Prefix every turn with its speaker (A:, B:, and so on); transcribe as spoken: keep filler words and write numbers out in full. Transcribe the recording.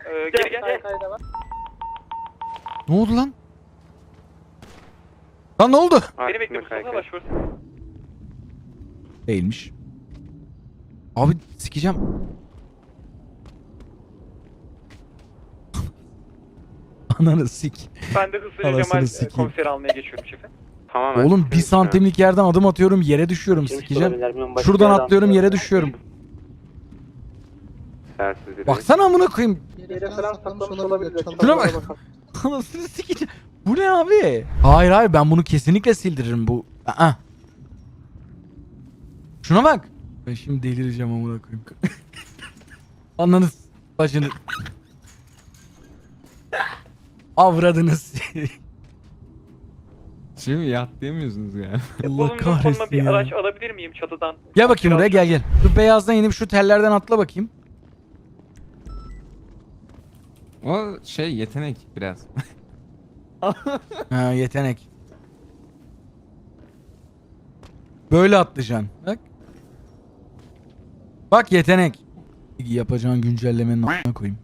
A: Ee, geri gel. gel.
B: Ne oldu lan? Lan ne oldu?
A: Beni bekle Mustafa başvur.
B: Değilmiş. Abi sikeceğim. Ananı sik.
A: Ben de hızlıca
B: Anasını
A: Cemal e,
B: sikeyim.
A: komiseri almaya geçiyorum şefe.
C: Tamamen.
B: Oğlum bir santimlik yerden adım atıyorum yere düşüyorum sikeceğim. Şuradan atlıyorum yere düşüyorum.
C: Tersizlik.
B: Baksana amına koyayım.
D: Yere falan saklamış olabilir.
B: Şuna bak. Anasını sikeceğim. Bu ne abi? Hayır hayır ben bunu kesinlikle sildiririm bu. Aa. Şuna bak. Ben şimdi delireceğim amına koyayım. Ananı s- bacını. Avradınız.
E: Şimdi yatlayamıyorsunuz yani.
B: Allah
A: Bulunduğum konuma
B: kahretsin
A: bir
B: ya.
A: araç alabilir miyim çatıdan?
B: Gel bakayım buraya gel gel. Şu beyazdan inip şu tellerden atla bakayım.
E: O şey yetenek biraz.
B: Ha yetenek. Böyle atlayacaksın. Bak. Bak yetenek. Yapacağın güncellemenin a**ına koyayım.